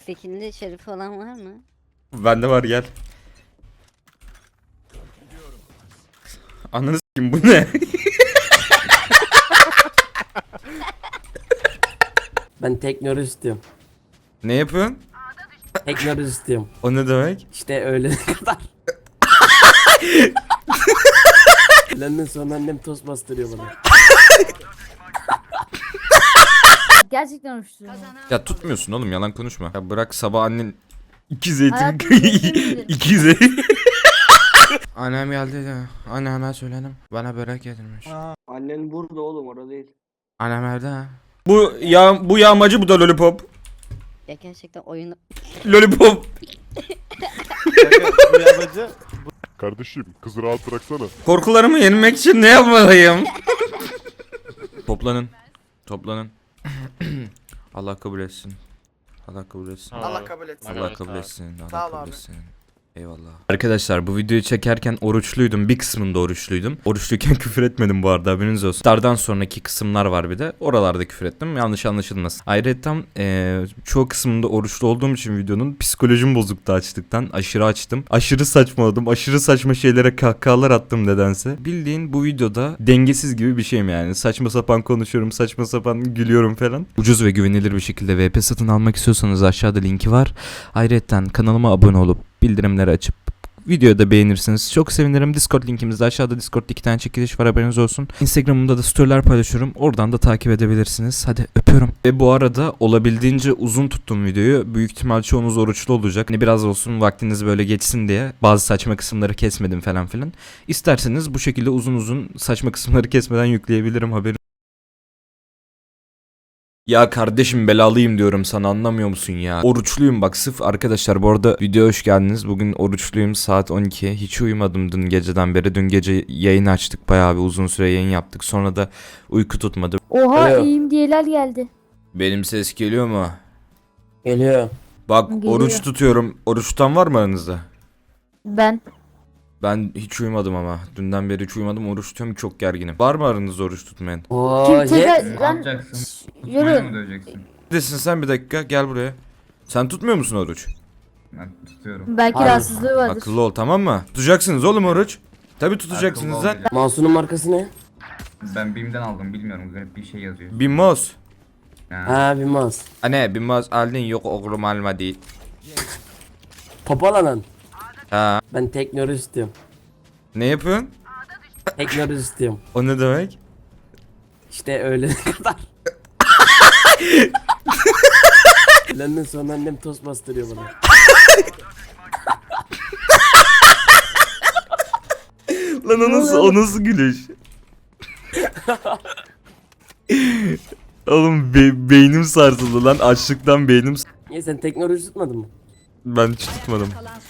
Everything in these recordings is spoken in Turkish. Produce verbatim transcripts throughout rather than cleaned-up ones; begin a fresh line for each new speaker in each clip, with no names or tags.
Skinli şerifi olan var mı?
Bende var, gel. Ananı s**eyim, bu ne?
Ben teknoloji istiyorum.
Ne yapıyorsun?
Teknoloji istiyorum.
O ne demek?
İşte öğlene kadar. Öğlenden sonra annem tost bastırıyor bana.
Gerçekten hoşlanıyorum.
Ya tutmuyorsun oğlum, yalan konuşma. Ya bırak, sabah annen iki zeytin
Hayatım zeytin
iki zeytin. Annem geldi de anneme söyledim, bana börek getirmiş.
Annen burada oğlum, orada değil.
Annem evde ha. Bu ya bu yağmacı, bu da lollipop.
Ya gerçekten oyunu...
Lollipop.
Kardeşim kızı rahat bıraksana.
Korkularımı yenmek için ne yapmalıyım? Toplanın. Toplanın. Allah kabul etsin. Allah kabul etsin.
Allah kabul etsin.
Allah kabul etsin.
Sağ
Allah
ol
kabul
abi.
etsin. Eyvallah. Arkadaşlar, bu videoyu çekerken oruçluydum. Bir kısmında oruçluydum. Oruçluyken küfür etmedim bu arada, haberiniz olsun. Stardan sonraki kısımlar var bir de. Oralarda küfür ettim. Yanlış anlaşılmasın. Ayrıca ee, çoğu kısmında oruçlu olduğum için videonun psikolojim bozuktu açtıktan. Aşırı açtım. Aşırı saçmaladım. Aşırı saçma şeylere kahkahalar attım nedense. Bildiğin bu videoda dengesiz gibi bir şeyim yani. Saçma sapan konuşuyorum. Saçma sapan gülüyorum falan. Ucuz ve güvenilir bir şekilde V P satın almak istiyorsanız aşağıda linki var. Ayrıca kanalıma abone olup bildirimleri açıp videoyu da beğenirsiniz. Çok sevinirim. Discord linkimizde aşağıda. Discord'da iki tane çekiliş var, haberiniz olsun. Instagram'ımda da storyler paylaşıyorum. Oradan da takip edebilirsiniz. Hadi öpüyorum. Ve bu arada olabildiğince uzun tuttum videoyu. Büyük ihtimal çoğunuz oruçlu olacak. Hani biraz olsun vaktiniz böyle geçsin diye bazı saçma kısımları kesmedim falan filan. İsterseniz bu şekilde uzun uzun saçma kısımları kesmeden yükleyebilirim, haberim. Ya kardeşim, belalıyım diyorum sana, anlamıyor musun ya? Oruçluyum bak, sırf arkadaşlar, bu arada videoya hoş geldiniz. Bugün oruçluyum, saat on iki. Hiç uyumadım dün geceden beri. Dün gece yayın açtık, bayağı bir uzun süre yayın yaptık. Sonra da uyku tutmadı.
Oha
Alo.
iyiyim diyeler geldi.
Benim ses geliyor mu?
Geliyor.
Bak,
Geliyor.
oruç tutuyorum. Oruç tutan var mı aranızda?
Ben.
Ben hiç uyumadım ama. Dünden beri hiç uyumadım, oruç tutuyorum, çok gerginim. Var mı aranızda oruç tutmayan?
Oo,
Kim
ye.
tekrar
Ne
lan
yapacaksın?
yürü.
Tutmaya mı döveceksin?
Neredesin sen, bir dakika gel buraya. Sen tutmuyor musun oruç?
Ben tutuyorum.
Belki
Hayır.
rahatsızlığı vardır.
Akıllı ol, tamam mı? Tutacaksınız oğlum oruç. Tabi tutacaksınız
Akıllı
lan.
olacağım.
Mouse'un markası ne?
Ben BİM'den aldım, bilmiyorum, garip bir şey yazıyor.
Binmez.
Ha.
Ha, bir mouse.
Anne binmez aldın, yok oğlum alma değil.
Popalanan.
Ha.
Ben teknoloji istiyorum.
Ne yapıyorsun?
Teknoloji istiyorum.
O ne demek?
İşte öğlene kadar. Öğlenden sonra annem tost bastırıyor bana.
Lan o nasıl, o nasıl gülüş? Oğlum be- beynim sarsıldı lan, açlıktan beynim s-
Niye, sen teknoloji tutmadın mı?
Ben hiç tutmadım.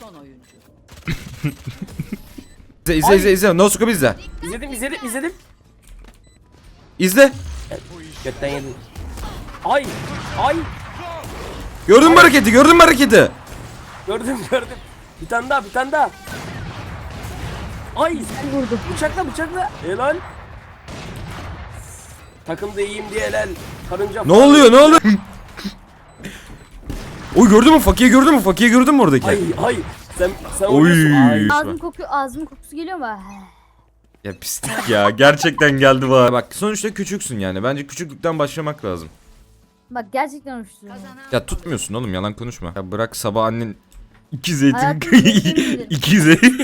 İzle izle izle izle. No scope izle.
İzledim izledim izledim.
İzle.
Götten yedim. Ay ay.
Gördün mü hareketi? Gördün mü hareketi?
Gördüm gördüm. Bir tane daha bir tane daha. Ay
Vurdu.
bıçakla bıçakla. Helal. Takımda iyiyim diye helal. Karınca
Ne oluyor? Ne oluyor? Oy, gördün mü? Fakiye gördün mü? Fakiye gördün mü oradaki?
Ay ay. Sen sen
Oy.
oynuyorsun. Ay.
Ağzım kokuyor, ağzımın kokusu geliyor mu?
Ya pislik ya. Gerçekten geldi var. Bak sonuçta küçüksün yani. Bence küçüklükten başlamak lazım.
Bak gerçekten hoşlanıyorum.
Ya tutmuyorsun oğlum, yalan konuşma. Ya bırak, sabah annen iki zeytin
Hayatım zeytin
iki zeytin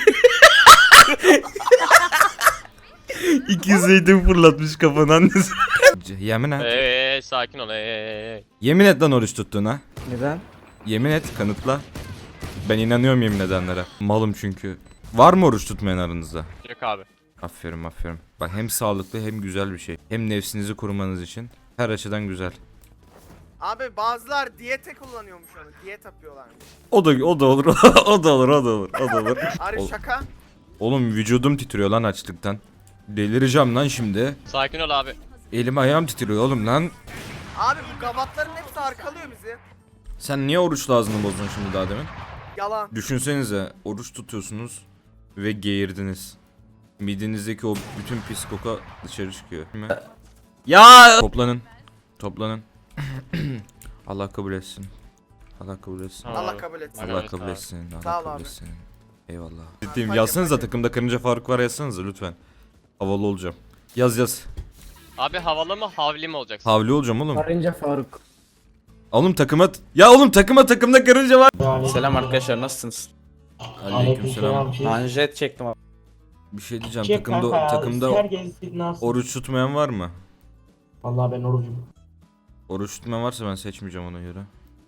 iki zeytin fırlatmış kafana annesi. Yemin et.
Eee sakin ol eee.
Yemin et lan oruç tuttuğuna.
Neden?
Yemin et, kanıtla. Ben inanıyorum yemin edenlere. Malım çünkü. Var mı oruç tutmayan aranızda?
Yok abi.
Aferin aferin. Bak, hem sağlıklı hem güzel bir şey. Hem nefsinizi korumanız için. Her açıdan güzel.
Abi bazılar diyete kullanıyormuş onu. Diyet yapıyorlarmış.
O da o da olur. o da olur, o da olur. O da olur.
Ari
Ol-
şaka.
Oğlum vücudum titriyor lan açlıktan. Delireceğim lan şimdi.
Sakin ol abi.
Elim ayağım titriyor oğlum lan.
Abi bu gavatların hepsi arkalıyor bizi.
Sen niye oruçlu ağzını bozdun şimdi daha demin?
Yalan.
Düşünsenize, oruç tutuyorsunuz ve geğirdiniz. Midenizdeki o bütün pis koku dışarı çıkıyor. Değil mi? Ya! Toplanın. Toplanın. Allah kabul etsin. Allah kabul etsin.
Tamam.
Allah kabul etsin.
Allah
Evet,
kabul
abi.
etsin.
Sağ
Allah
ol
kabul
abi.
etsin. Eyvallah. Ciddiyim.
Hadi,
Yazsanıza
hadi.
takımda Karınca Faruk var yazsanıza lütfen. Havalı olacağım. Yaz yaz.
Abi havalı mı havli mi olacaksın?
Havli olacağım oğlum.
Karınca Faruk.
Oğlum takıma... Ya oğlum takıma takımda karınca var.
Selam arkadaşlar, nasılsınız?
Aleykümselam.
Manjet çektim abi.
Bir şey diyeceğim. Takımda takımda oruç tutmayan var mı?
Vallahi ben orucum.
Oruç tutmayan varsa ben seçmeyeceğim ona göre.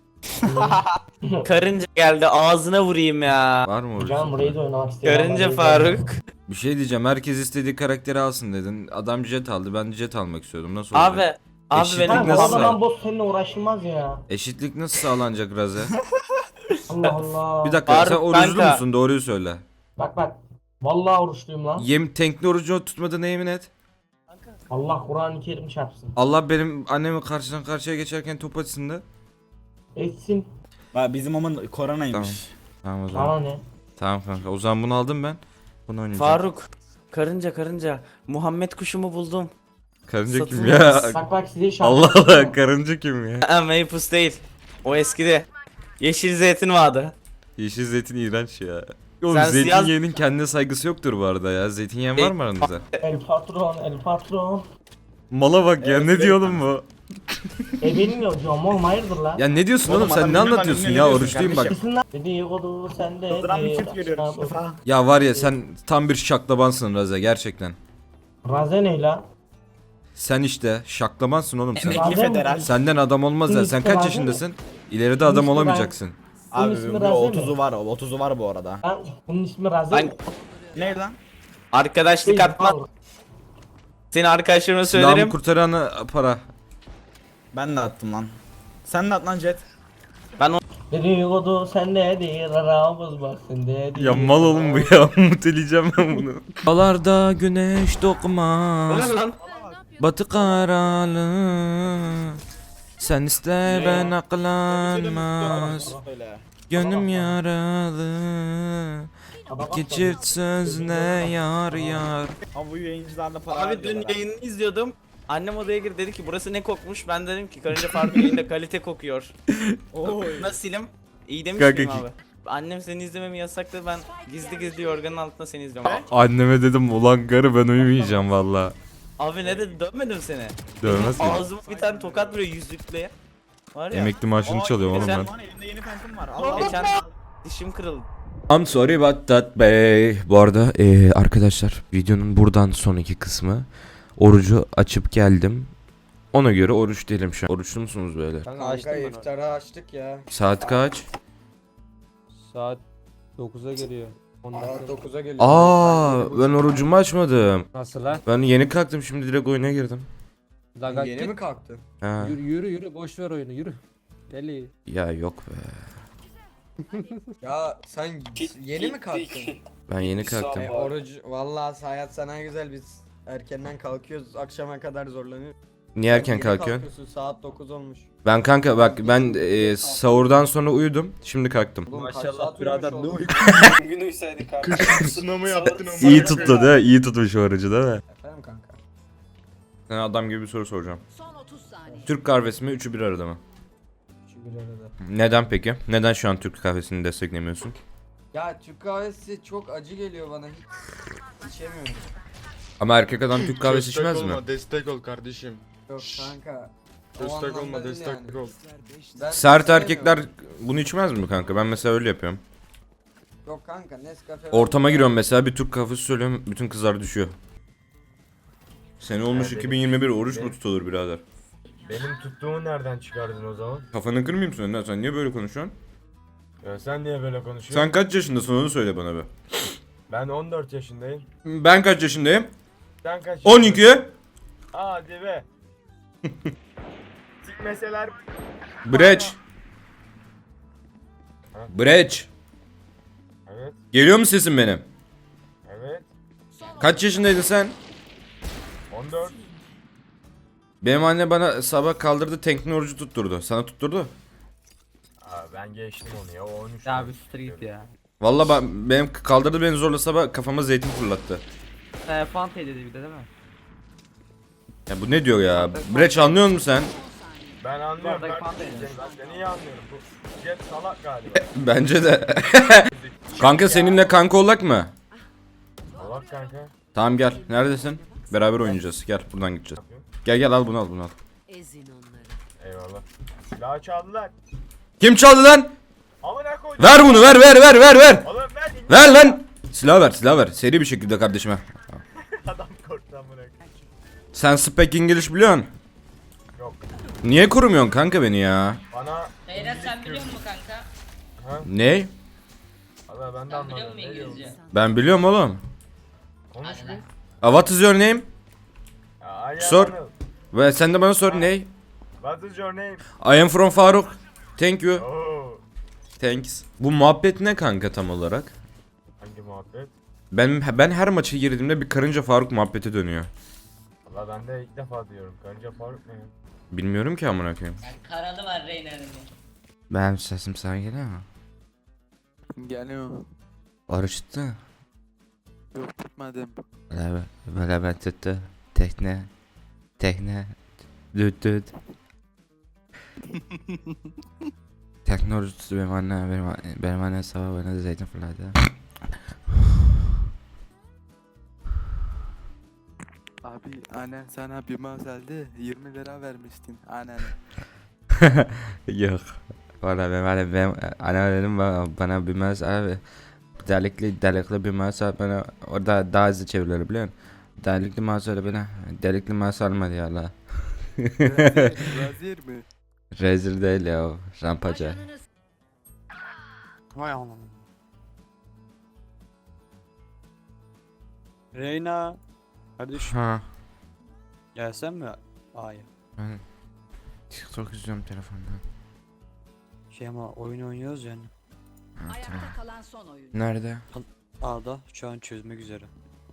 Karınca geldi, ağzına vurayım ya.
Var mı oruç?
Canım burayı da oynamak istiyorum.
Karınca Faruk.
Bir şey diyeceğim. Herkes istediği karakteri alsın dedin. Adam jet aldı. Ben de jet almak istiyordum. Nasıl olacak?
Abi, abi
Eşitlik
benim
nasıl?
O zaman boss seninle uğraşılmaz ya.
Eşitlik nasıl sağlanacak Raze?
Allah Allah.
Bir dakika
Faruk
sen oruçlu
kanka.
musun? Doğruyu söyle.
Bak bak. Vallahi oruçluyum lan.
Yem tenkli orucu tutmadığına yemin et.
Allah Kur'an-ı Kerim çarpsın.
Allah benim annemi karşıdan karşıya geçerken top açsın da.
Etsin.
Bizim amın koronaymış.
Tamam o zaman.
Bana ne?
Tamam kanka. O zaman bunu aldım ben. Bunu oynayacağım.
Faruk. Karınca karınca. Muhammed kuşumu buldum.
Karınca kim
Satılmaz.
ya?
Bak bak size şarkı
Allah Allah
söylüyorum.
karınca kim ya?
Ha, Mapus değil. O eskide. Yeşil zeytin vardı.
Yeşil zeytin iğrenç ya. Oğlum
Sen
zeytin
siyah-
yiyenin kendine saygısı yoktur bu arada ya. Zeytin yiyen var mı aranızda?
El patron, el patron.
Mala bak ya ne diyor oğlum bu?
E benim ya diyorum oğlum hayırdır lan?
Ya ne diyorsun
Oğlum,
oğlum sen
adam
ne
bilmem
anlatıyorsun
ne
ya
diyorsun
oruçluyum bak.
kardeşim.
Kesin lan. Dedikodu sende.
Yıldıran bir
de-
çift görüyoruz.
Ya var ya sen tam bir şaklabansın Raze gerçekten.
Raze ne la?
Sen işte şaklamansın oğlum sen.
Emekli federal.
Senden adam olmaz ya. Sen kaç yaşındasın? İleride adam
İsmi ben-
olamayacaksın.
Bunun
Abi
ismi
bir
Raze mi?
otuzu var, otuzu var bu arada.
Lan bunun ismi Raze
Ben-
mi?
Ne lan?
Arkadaşlık
Değil,
atma.
al.
Seni arkadaşlarıma
Silahımı
söylerim.
kurtaranı para.
Ben de attım lan. Sen de at lan Jet.
Dedikodu sendedir aramız bak sendedir.
Ya mal oğlum bu ya. Muteleyeceğim ben bunu. Dağlarda güneş doğmaz.
lan?
Batı karalı. Sen iste ben aklanmaz.
Öyle.
Gönlüm yaralı.
Adam
İki
atladı.
çift sözle yar yar.
Ama bu yayıncılarla para
Abi dün
harcıyorlar ha.
yayını izliyordum. Annem odaya girdi, dedi ki burası ne kokmuş? Ben dedim ki Karınca Faruk yayında kalite kokuyor.
Oy.
Nasılım? İyi demiş
Kanka
miyim
ki-
abi? Annem seni izlememi yasakladı, ben gizli gizli yorganın altında seni izliyorum.
Anneme dedim ulan karı ben uyumayacağım valla.
Abi ne dedi, dövmedim seni.
Dövmez mi?
Ağzıma bir tane tokat vuruyor yüzlükle. Var ya.
Emekli maaşını
Aa,
çalıyorum oğlum
geçen-
ben.
Lan elimde yeni pentim var. Allah Allah.
Geçen dişim kırıldı.
I'm sorry about that bey. Bu arada eee, arkadaşlar videonun buradan sonraki kısmı orucu açıp geldim. Ona göre oruç değilim şu an. Oruçlu musunuz böyle?
Kanka iftarı açtık ya.
Saat kaç?
Saat dokuza geliyor. Saat dokuza geliyor.
Aa, ben orucumu açmadım.
Nasıl lan?
Ben yeni kalktım şimdi direkt oyuna girdim.
Lagat yeni mi kalktın?
Ha.
Yürü yürü yürü boş ver oyunu yürü. Deli.
Ya yok be.
Ya sen yeni mi kalktın?
Ben yeni kalktım.
E, oruç vallahi hayat sana güzel biz erkenden kalkıyoruz akşama kadar zorlanıyoruz.
Niye erken
Yeni
kalkıyorsun?
kalkıyorsun, saat dokuz olmuş.
Ben kanka bak ben eee, sahurdan sonra uyudum. Şimdi kalktım.
Oğlum, kaç
Maşallah
saat
birader,
uyumuş
ne
oldun?
Bugün uysaydık abi. Sınavı yaptın ama.
İyi tuttu değil mi? İyi tutmuş orucu değil mi?
Efendim kanka.
Sana adam gibi bir soru soracağım. Türk kahvesi mi üçü bir arada mı?
Şu bir arada.
Neden peki? Neden şu an Türk kahvesini desteklemiyorsun?
Ya Türk kahvesi çok acı geliyor bana hiç içemiyorum.
Ama erkek adam Türk kahvesi
Destek
içmez mi?
olma, destek ol kardeşim.
Yok kanka. o
Destek
anlamda
olma,
değil
destek
yani.
ol.
Ben
Sert
sevmiyorum.
erkekler bunu içmez mi kanka? Ben mesela öyle yapıyorum.
Yok kanka Nescafe.
Ortama giriyorum mesela bir Türk kahvesi söylüyorum bütün kızlar düşüyor. Sene olmuş
Yani
iki bin yirmi bir oruç
benim-
mu tutulur birader?
Benim tuttuğumu nereden çıkardın o zaman?
Kafanı kırmayayım sen lan sen niye böyle konuşuyorsun?
Ya sen niye böyle konuşuyorsun?
Sen kaç yaşındasın onu söyle bana be.
Ben on dört yaşındayım.
Ben kaç yaşındayım?
Sen kaç
on iki.
Hadi be. Sikmeseler.
Breç. Breç.
Evet,
Geliyor mu sesin benim?
evet.
Kaç yaşındaydın sen?
on dört.
Benim anne bana sabah kaldırdı tenkli orucu tutturdu. Sana tutturdu.
Aa, ben geçtim onu ya. O on üç.
Ya bir street ya.
Valla ben, benim kaldırdı beni zorla sabah kafama zeytin fırlattı.
Ee, Fante dedi bir de değil mi?
Ya bu ne diyor ya? Breç anlıyor musun sen?
Ben anlıyorum kardeşim seni. Ben seni iyi anlıyorum. Bu Jet salak galiba.
Bence de. Kanka seninle kanka olak mı?
Salak kanka.
Tamam gel. Neredesin? Beraber oynayacağız. Gel buradan gideceğiz. Gel gel al bunu al bunu al.
Eyvallah. Silahı çaldılar.
Kim çaldı lan?
Amına koydum.
Ver bunu ver ver ver ver ver.
Oğlum ver.
Ver lan. Silah ver silah ver. Seri bir şekilde kardeşime.
Adam korktu amına koyayım.
Sen speak English biliyorsun.
Yok.
Niye korumuyorsun kanka beni ya?
Bana
Beyler sen biliyor musun kanka?
Ne?
Valla ben de anlamadım. Ne diyorsun?
Ben biliyorum oğlum.
Konuş bir.
Uh, what is your name?
Ya, I am
Sor.
Anıl.
Ve sen de bana sor ne?
What is your name?
I am from Faruk. Thank you.
Oo.
Thanks. Bu muhabbet ne kanka tam olarak?
Hangi muhabbet?
Ben ben her maça girdiğimde bir karınca Faruk muhabbeti dönüyor.
Valla ben de ilk defa diyorum. Karınca Faruk ne ya?
Bilmiyorum ki amına koyayım.
Karalı var Reyna'nın.
Ben sesim sana geliyor mu?
Geliyor.
Oruç tuttu.
Yok tutmadım.
Böyle böyle ben tuttu. Tekne. Tekne. Düt düt. Tekne oruç tuttu benim anne. Benim, benim anne sabah bana da zeytin fırladı.
Abi annen sana bir mouse aldı. yirmi lira vermiştin annen.
Yok. Valla benim annem, benim annem dedim bana, bana bir mas abi. Delikli delikli bir mas al bana, orada daha hızlı çevirilir biliyor musun? Delikli mas al bana, delikli mas almadı ya Allah.
Vazir mi?
Rezil değil ya o, rampacı.
Vay anam. Reyna. Kardeşim
Ha.
gelsen mi? Hayır.
Ben TikTok izliyorum telefonda.
Şey ama oyun oynuyoruz yani.
Ha, tamam. Nerede?
A'da şu an çözmek üzere.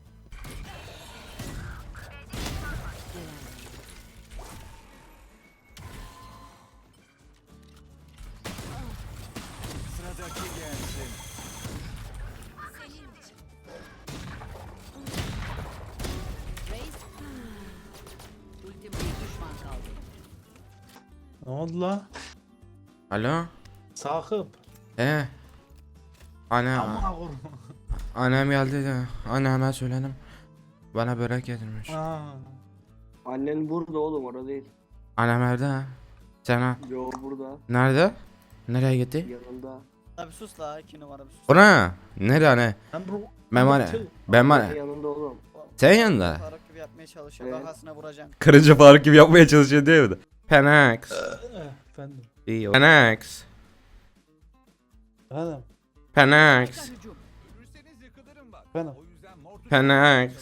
Ne oldu la?
Alo?
Sakıp.
He. Ana.
Ama korkma.
Annem geldi de. Anneme söyledim. Bana börek getirmiş.
Aa.
Annen burada oğlum orada değil.
Annem evde ha. Sen
Yo burada
nerede? Nereye gitti?
yanında.
Abi sus la iki numara bir sus.
Ona. Nerede ne?
Ben bu.
Ben bana. Ben bana.
Yanında oğlum.
Sen yanında.
Faruk gibi yapmaya çalışıyor.
Evet.
Kafasına vuracaksın.
Karınca Faruk gibi yapmaya çalışıyor değil mi? Penax.
Efendim.
İyi o. Penax.
Efendim.
Penax.
Efendim.
Penax.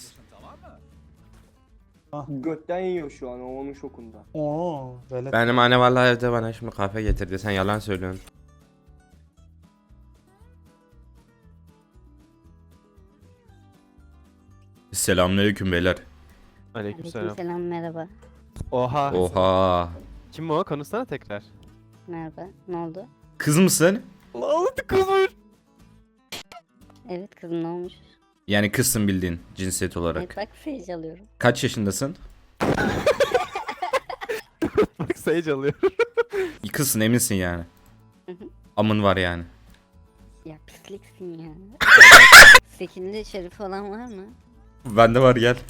Götten yiyor şu an o onun şokunda.
Oo. Böyle.
Benim anne vallahi evde bana şimdi kahve getirdi. Sen yalan söylüyorsun. Selamünaleyküm beyler.
Aleykümselam merhaba.
Oha.
Oha.
Kim o? Konuşsana tekrar.
Merhaba. Ne oldu?
Kız mısın?
Lanet kızmış.
Evet kızım ne olmuş?
Yani kızsın bildiğin cinsiyet olarak.
Evet bak feyz alıyorum.
Kaç yaşındasın?
Bak Sage alıyor.
Kızsın eminsin yani.
Hı hı.
Amın var yani.
Ya pisliksin ya. Sekinde şerif olan var mı?
Bende var gel.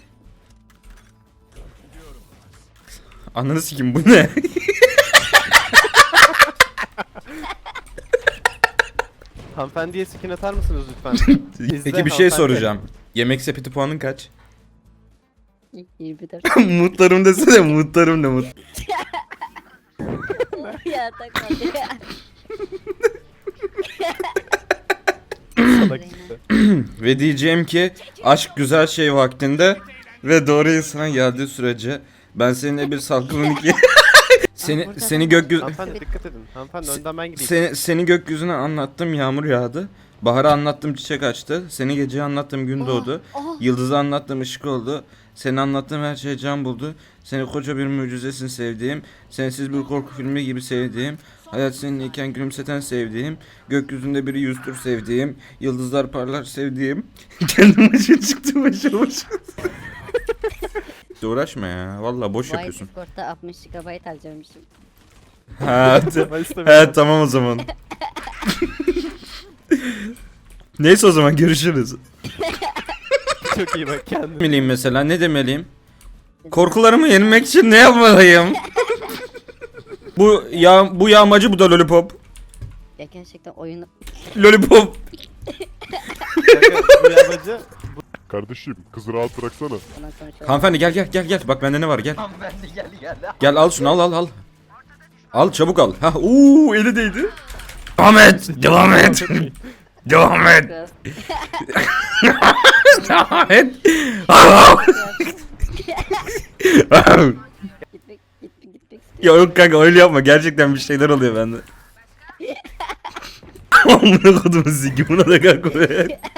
Ananı sikim bu ne?
Hanımefendiye skin atar mısınız lütfen?
Peki bir şey soracağım. Yemek sepeti puanın kaç?
yirmi dört.
Mutlarım desene, mutlarım ne mut.
Ya takmadı ya.
Ve diyeceğim ki aşk güzel şey vaktinde ve doğru insana geldiği sürece ben seninle bir salkımın iki... seni seni gökyüzü
Hanımefendi dikkat edin. Hanımefendi önden ben gideyim.
seni seni gökyüzüne anlattım, yağmur yağdı. Bahar'a anlattım, çiçek açtı. Seni gece anlattım, gün doğdu. Yıldız'a anlattım, ışık oldu. Seni anlattığım her şey can buldu. Seni koca bir mucizesin sevdiğim. Sensiz bir korku filmi gibi sevdiğim. Hayat seninleyken gülümseten sevdiğim. Gökyüzünde biri yüzdür sevdiğim. Yıldızlar parlar sevdiğim. Kendim başa çıktım başa başa. etti uğraşma ya. Vallahi boş
Bu ay
yapıyorsun.
Discord'da altmış gigabayt harcamışım.
Ha, evet tamam o zaman. Neyse o zaman görüşürüz.
Çok iyi bak kendine.
Demeliyim mesela ne demeliyim? Korkularımı yenmek için ne yapmalıyım? bu ya bu yağmacı bu da lollipop.
Ya gerçekten oyunu
Lollipop.
Bu yabacı.
Kardeşim kızı rahat bıraksana.
ondan sonra şöyle.
Hanımefendi gel gel gel gel. Bak bende ne var gel.
Hanımefendi gel gel.
Gel al şunu al al al. Al çabuk al. Ha uuu eli değdi. Devam et. Devam et. Devam et.
Biraz-
Devam et.
Gitmek, gitmek, gitmek.
Ya yok kanka öyle yapma. Gerçekten bir şeyler oluyor bende. Amına kodumu ziki buna da kanka.